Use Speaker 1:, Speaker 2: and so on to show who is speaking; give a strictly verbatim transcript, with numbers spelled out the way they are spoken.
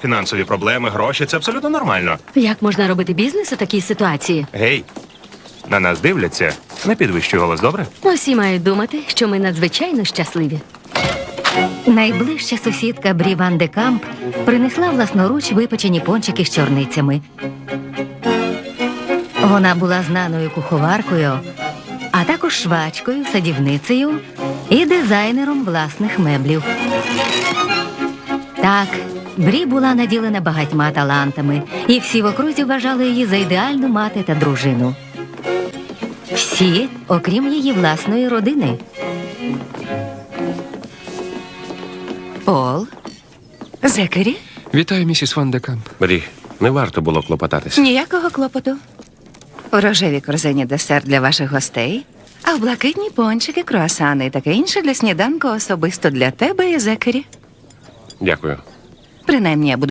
Speaker 1: фінансові проблеми, гроші. Це абсолютно нормально.
Speaker 2: Як можна робити бізнес у такій ситуації?
Speaker 1: Гей, на нас дивляться. Не підвищуй голос, добре?
Speaker 2: Усі мають думати, що ми надзвичайно щасливі.
Speaker 3: Найближча сусідка Брі Ван де Камп принесла власноруч випечені пончики з чорницями. Вона була знаною куховаркою, а також швачкою, садівницею і дизайнером власних меблів. Так, Брі була наділена багатьма талантами, і всі в окрузі вважали її за ідеальну мати та дружину. Всі, окрім її власної родини.
Speaker 4: Пол? Зекері?
Speaker 5: Вітаю, місіс Ван де Камп.
Speaker 6: Брі, не варто було клопотатися.
Speaker 4: Ніякого клопоту. У рожевій корзині десерт для ваших гостей, а в блакитні пончики, круасани і таке інше для сніданку особисто для тебе і Зекері.
Speaker 6: Дякую.
Speaker 4: Принаймні, я буду